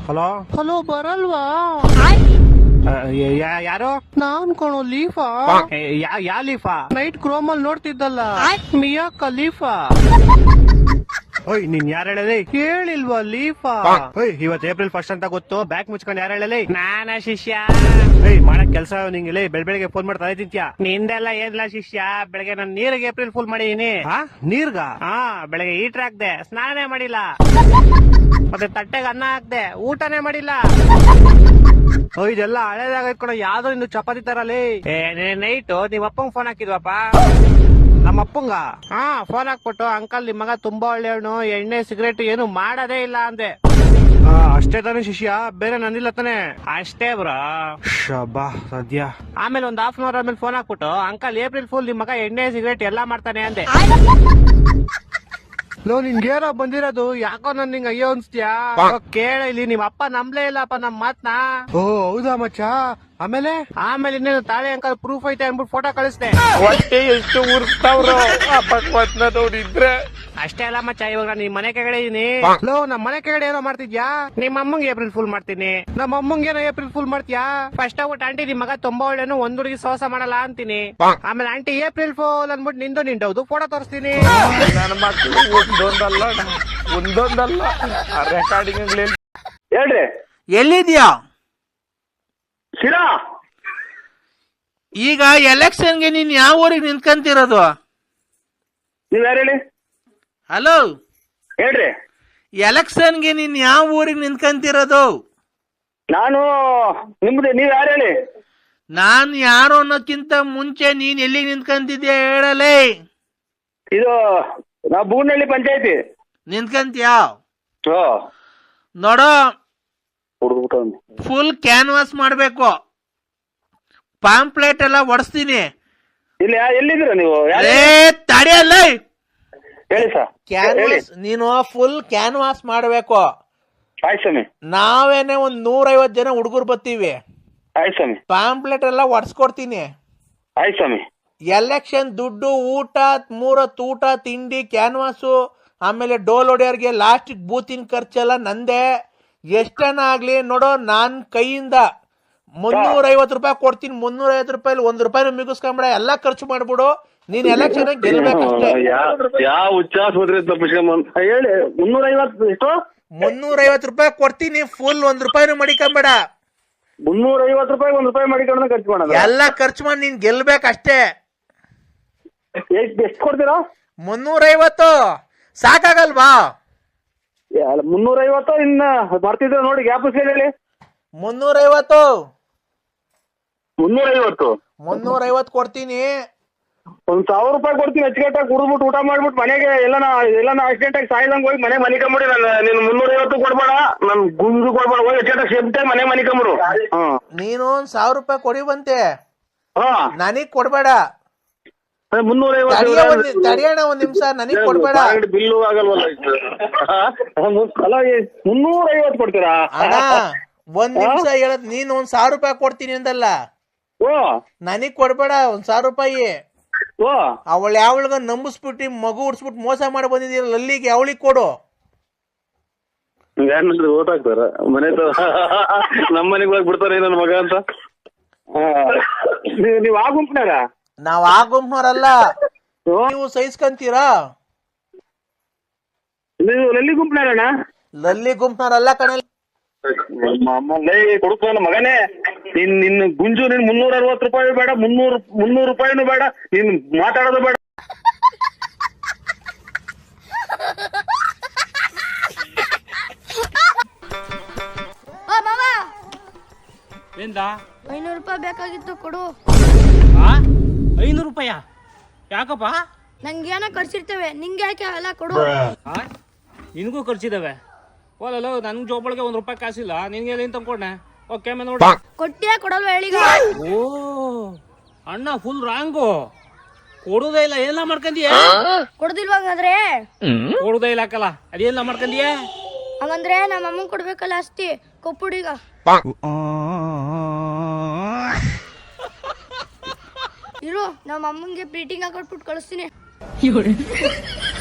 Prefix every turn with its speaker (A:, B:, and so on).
A: Hello
B: hello ಬರಲ್ವಾ?
A: ಯಾರು?
B: ನಾನ್ ಕಣೋ ಲೀಫಾ.
A: ಯಾ ಲೀಫಾ?
B: Night ಕ್ರೋಮಲ್ ನೋಡ್ತಿದ್ದಲ್ಲ, ಮಿಯಾ Khalifa.
A: ಓಯ್ ನೀನ್ ಯಾರು ಹೇಳಲಿ?
B: ಹೇಳಿಲ್ವಾ ಲೀಫಾ?
A: ಓಯ್ ಇವತ್ ಏಪ್ರಿಲ್ 1 ಅಂತ ಗೊತ್ತು, ಬ್ಯಾಕ್ ಮುಚ್ಕೊಂಡು ಯಾರು ಹೇಳಲಿ? ನಾನ ಶಿಷ್ಯ. ಏಯ್ ಮಾಡಕ್ ಕೆಲ್ಸ ನಿಂಗೆ ಬೆಳಗ್ಗೆ ಫೋನ್ ಮಾಡ್ತಾ ತಿಂತ್ಯಾ? ನಿಂದೆಲ್ಲ ಏನಿಲ್ಲ ಶಿಷ್ಯ, ಬೆಳಗ್ಗೆ ನಾನು ನೀರಿಗೆ ಏಪ್ರಿಲ್ ಫುಲ್ ಮಾಡಿದೀನಿ. ನೀರ್ಗ? ಬೆಳಗ್ಗೆ ಹೀಟರ್ ಹಾಕ್ದೆ, ಸ್ನಾನನೇ ಮಾಡಿಲ್ಲ. ಮತ್ತೆ ತಟ್ಟೆಗೆ ಅನ್ನ ಹಾಕ್ದೆ, ಊಟನೇ ಮಾಡಿಲ್ಲ. ಇದೆಲ್ಲ ಹಳೇದಾಗೈತ್ ಕಣ, ಯಾವ್ದೋ ಇನ್ನು ಚಪಾತಿ ತರಲಿ. ನೈಟ್ ನೀವ್ ಅಪ್ಪಂಗ್ ಫೋನ್ ಹಾಕಿದ್ವಪ್ಪ, ನಮ್ಮ ಅಪ್ಪಂಗ. ಫೋನ್ ಹಾಕ್ಬಿಟ್ಟು, ಅಂಕಲ್ ನಿಮ್ ಮಗ ತುಂಬಾ ಒಳ್ಳೆಯವನು, ಎಣ್ಣೆ ಸಿಗರೇಟ್ ಏನು ಮಾಡೋದೇ ಇಲ್ಲ ಅಂದೆ. ಅಷ್ಟೇ ತಾನೇ ಶಿಷ್ಯ, ಬೇರೆ ನನ್ನಿಲ್ಲ ತಾನೆ? ಅಷ್ಟೇ ಬ್ರೋ. ಶಬಾ ಸದ್ಯ. ಆಮೇಲೆ ಒಂದ್ ಹಾಫ್ ಅನ್ ಅವರ್ ಆಮೇಲೆ ಫೋನ್ ಹಾಕ್ಬಿಟ್ಟು, ಅಂಕಲ್ ಏಪ್ರಿಲ್ ಫುಲ್ ನಿಮ್ ಮಗ ಎಣ್ಣೆ ಸಿಗರೇಟ್ ಎಲ್ಲಾ ಮಾಡ್ತಾನೆ ಅಂದೆ. ಲೋ ನಿನ್ಗೇನೋ ಬಂದಿರೋದು, ಯಾಕೋ ನನ್ ನಿಂಗೆ ಅಯ್ಯೋ ಅನ್ಸ್ತ್ಯಾ? ಕೇಳ ಇಲ್ಲಿ, ನಿಮ್ ಅಪ್ಪ ನಂಬ್ಲೇ ಇಲ್ಲಪ್ಪ ನಮ್ ಮಾತ್ನ. ಓ ಹೌದಾ ಮಚ್ಚ? ಆಮೇಲೆ ಇನ್ನೇನು ತಾಳೆ ಅಂಕಲ್ ಪ್ರೂಫ್ ಐತೆ ಅಂದ್ಬಿಟ್ಟು ಫೋಟೋ ಕಳಿಸ್ದೆ.
C: ಹೊಟ್ಟೆ ಎಷ್ಟು ಉರ್ಸ್ತಾವ್ರು ನೋಡಿದ್ರೆ.
A: ಅಷ್ಟೇ ಅಲ್ಲ ಮಚ್ಚ, ಇವಾಗ ನಾನು ನಿಮ್ ಮನೆ ಕೆಳಗಡೆ ಇದೀನಿ. ಲೋ ನಮ್ ಮನೆ ಕೆಳಗಡೆ ಏನೋ ಮಾಡ್ತಿದ್ಯಾ? ನಿಮ್ಮ ಅಮ್ಮಂಗೆ ಏಪ್ರಿಲ್ ಫುಲ್ ಮಾಡ್ತೀನಿ. ನಮ್ಮ ಅಮ್ಮಂಗೆ ಏನೋ ಏಪ್ರಿಲ್ ಫುಲ್ ಮಾಡ್ತೀಯಾ? ಫಸ್ಟ್ ಆಗ್ಬಿಟ್ಟು ಆಂಟಿ ನಿಮ್ ಮಗ ತುಂಬಾ ಒಳ್ಳೆನು, ಒಂದ್ ಹುಡುಗಿ ಸೋಸ ಮಾಡಲ್ಲ ಅಂತೀನಿ. ಆಮೇಲೆ ಆಂಟಿ ಏಪ್ರಿಲ್ ಫುಲ್ ಅನ್ಬಿಟ್ಟು ನಿಂದೌದು ಫೋಟೋ ತೋರಿಸ್ತೀನಿ.
C: ನನ್ನ ಮಕ್ಕಳು ಒಂದೊಂದಲ್ಲ ರೆಕಾರ್ಡಿಂಗ್
D: ಹೇಳ್ರಿ.
B: ಎಲ್ಲಿದ್ಯಾ?
D: ಶಿರಾ.
B: ಈಗ ಎಲೆಕ್ಷನ್ಗೆ ನೀನ್ ಯಾವ ಊರಿಗೆ ನಿಂತ್ಕಂತಿರೋದು?
D: ನೀವ್ ಯಾರು ಹೇಳಿ?
B: ಹಲೋ
D: ಹೇಳ್ರಿ.
B: ಎಲೆಕ್ಷನ್ಗೆ ನೀನ್ ಯಾವ ಊರಿಗೆ ನಿಂತ್ಕಂತಿರೋದು?
D: ನಾನು ನಿಮ್ದು, ನೀವ್ ಯಾರು ಹೇಳಿ?
B: ನಾನ್ ಯಾರು ಅನ್ನೋಕ್ಕಿಂತ ಮುಂಚೆ ನೀನ್ ಎಲ್ಲಿಗೆ ನಿಂತ್ಕಂತಿದ್ಯಾ ಹೇಳಲೇ.
D: ಇದು ನಾವು ಬೂನಹಳ್ಳಿ ಪಂಚಾಯತಿ
B: ನಿಂತ್ಕಂತ್ಯಾ? ನೋಡೋ, ಫುಲ್ ಕ್ಯಾನ್ವಾಸ್ ಮಾಡ್ಬೇಕು, ಪಾಂಪ್ಲೆಟ್ ಎಲ್ಲ ಒಡಿಸ್ತೀನಿ.
D: ಇಲ್ಲಿ ಎಲ್ಲಿದ್ದೀರಾ ನೀವು?
B: ತಡೆಯಲ್ಲ,
D: ಹೇಳಿ ಸರ್.
B: ಕ್ಯಾನ್ವಾಸ್ ನೀನು ಫುಲ್ ಕ್ಯಾನ್ವಾಸ್ ಮಾಡ್ಬೇಕು.
D: ಆಯ್ತು ಸ್ವಾಮಿ.
B: ನಾವೇನೆ ಒಂದ್ 150 ಜನ ಹುಡುಗರು ಬರ್ತೀವಿ.
D: ಆಯ್ತು ಸ್ವಾಮಿ.
B: ಪಾಂಪ್ಲೆಟ್ ಎಲ್ಲ ಒಡ್ಸ್ಕೊಡ್ತೀನಿ.
D: ಆಯ್ತು ಸ್ವಾಮಿ.
B: ಎಲೆಕ್ಷನ್ ದುಡ್ಡು, ಊಟ, 3 ಹೊತ್ತು ಊಟ, ತಿಂಡಿ, ಕ್ಯಾನ್ವಾಸು, ಆಮೇಲೆ ಡೋಲ್ ಹೊಡೆಯೋರ್ಗೆ ಲಾಸ್ಟ್ ಬೂತಿನ ಖರ್ಚೆಲ್ಲ ನಂದೇ. ಎಷ್ಟನ ಆಗ್ಲಿ ನೋಡೋ, ನಾನ್ ಕೈಯಿಂದ 350 ರೂಪಾಯಿ ಕೊಡ್ತೀನಿ. 350 ರೂಪಾಯಿ 1 ರೂಪಾಯಿನೂ ಮಿಗಿಸ್ಕೊಂಬಿಡ, ಎಲ್ಲಾ ಖರ್ಚು ಮಾಡ್ಬಿಡು. ನೀನ್ ಎಲೆಕ್ಷನ್ ಗೆಲ್ಬೇಕಷ್ಟೇ.
D: ಯಾವ ಉಚ್ಚಾಸ್ಪತ್ರೆ ಹೇಳಿ. 350 ಎಷ್ಟು?
B: 350 ರೂಪಾಯಿ ಕೊಡ್ತೀನಿ, ಫುಲ್ 1 ರೂಪಾಯಿನೂ ಮಡಿಕೊಂಬೇಡ.
D: 350 ರೂಪಾಯಿ 1 ರೂಪಾಯಿ ಮಾಡಿಕೊಂಡು ಖರ್ಚು ಮಾಡೋದು?
B: ಎಲ್ಲಾ ಖರ್ಚು ಮಾಡಿ ನೀನ್ ಗೆಲ್ಬೇಕಷ್ಟೇ.
D: ಎಷ್ಟು ಕೊಡ್ತೀರಾ?
B: 350 ಸಾಕಾಗಲ್ವಾ?
D: 350 ಇನ್ನ ಬರ್ತಿದ್ರೆ ನೋಡಿ, ಗ್ಯಾಪ್ ಹೇಳಿ.
B: 350
D: 350
B: ಕೊಡ್ತೀನಿ.
D: 1000 ರೂಪಾಯಿ ಕೊಡ್ತೀನಿ. ಅಚ್ಚುಕಟ್ಟಾಗಿ ಕುಡಿದ್ಬಿಟ್ಟು ಊಟ ಮಾಡ್ಬಿಟ್ಟು ಮನೆಗೆ ಎಲ್ಲ ಆಕ್ಸಿಡೆಂಟ್ ಆಗಿ ಸಾಯ್ದಂಗ್ ಹೋಗಿ ಮನೆ ಮನಿಕೊಂಬಿಡಿ. ನೀನು 350 ಕೊಡ್ಬೇಡ, ನನ್ ಗುಂಜು ಕೊಡ್ಬೇಡ, ಹೋಗಿ ಅಚ್ಚುಕಟ್ಟಾಗಿ ಸೇಫ್ಟಾಗಿ ಮನೆ ಮನಿಕೊಂಬಿಡು.
B: ನೀನು 1000 ರೂಪಾಯಿ ಕೊಡಿ ಬಂತೆ, ನನಗ್ ಕೊಡ್ಬೇಡ.
D: 350
B: ತಡಿಯೋಣ ಒಂದ್ ನಿಮಿಷ, ನನಗ್ ಕೊಡ್ಬೇಡ.
D: ಬಿಲ್ಲು ಆಗಲ್ವಲ್ಲ? 350 ಕೊಡ್ತೀರಾ?
B: ಅಣ್ಣ ಒಂದ್ ನಿಮಿಷ ಹೇಳದ್, ನೀನ್ 1000 ರೂಪಾಯಿ ಕೊಡ್ತೀನಿ ಅಂದಲ್ಲ, ನನಗ್ ಕೊಡ್ಬೇಡ 1000 ರೂಪಾಯಿ. ಅವಳು ಯಾವಳಿಗ ನಂಬಿಸ್ಬಿಟ್ಟು ಮಗು ಉಡ್ಸ್ಬಿಟ್ಟು ಮೋಸ ಮಾಡಿ ಬಂದಿದ್ದೀರಲ್ಲ, ಅಲ್ಲಿಗೆ ಅವಳಿಗೆ ಕೊಡು.
D: ಓಟ್ ಹಾಕ್ತಾರ ಮನೆ ನಮ್ಮ ಮನೆಗೆ ಹೋಗಿ ಬಿಡ್ತಾರ ನನ್ನ ಮಗ ಅಂತ. ನೀವ್ ಆ ಗುಂಪಿನಾರ?
B: ನಾವ್ ಆ ಗುಂಪ್ನವ್ರಲ್ಲ, ನೀವು ಸಹಿಸ್ಕಂತೀರಾ?
D: ನೀವು ಲಲ್ಲಿ ಗುಂಪಿನಾರಣ್ಣ?
B: ಲಲ್ಲಿ ಗುಂಪ್ನವ್ರಲ್ಲ ಕಣಲ್ಲಿ.
D: ಕೊಡುತ್ತ ಮಗನೇ, ನಿನ್ನ ಗುಂಜು ನಿನ್ 360 ರೂಪಾಯಿ ಬೇಡ, 300 ರೂಪಾಯಿನೂ ಬೇಡ, ನೀನ್ ಮಾತಾಡೋದು ಬೇಡ.
E: ಎಂದ
F: 500 ರೂಪಾಯಿ ಬೇಕಾಗಿತ್ತು, ಕೊಡು.
E: 500 ರೂಪಾಯ? ಯಾಕಪ್ಪ?
F: ನಂಗೇನೋ ಖರ್ಚಿರ್ತೇವೆ, ನಿಂಗೆ ಯಾಕೆ ಅವೆಲ್ಲ, ಕೊಡು.
E: ನಿನಗೂ ಖರ್ಚಿದಾವೆ. ಓಲಲ್ಲ, ನನ್ಗೆ ಜೋಬಳಿಗೆ 1 ರೂಪಾಯಿ ಕಾಸಿಲ್ಲ, ನಿನ್ಗೆ ಏನ್ ತಂದ್ಕೊಂಡೆ? ಓಕೆ ನೋಡಿ.
F: ಕೊಟ್ಟಿಯಾ ಕೊಡಲ್ವ ಹೇಳಿಗ?
E: ಓ ಅಣ್ಣ ಫುಲ್ ರಾಂಗು, ಕೊಡುದೇ ಇಲ್ಲ, ಏನೆಲ್ಲ ಮಾಡ್ಕಂದಿಯ?
F: ಕೊಡುದಿಲ್ವಾಗಾದ್ರೆ?
E: ಕೊಡುದೇ ಇಲ್ಲ ಹಾಕಲ್ಲ, ಅದೇನೆಲ್ಲ ಮಾಡ್ಕಂದಿಯ?
F: ಹಂಗಂದ್ರೆ ನಮ್ಮ ಅಮ್ಮಂಗ್ ಕೊಡ್ಬೇಕಲ್ಲ, ಅಸ್ತಿ ಕೊಪ್ಪುಡೀಗ. ಇರು, ನಮ್ಮ ಅಮ್ಮಂಗೆ ಪ್ರೀಟಿಂಗ್ ಹಾಕೊಟ್ಬಿಟ್ಟು ಕಳಿಸ್ತೀನಿ.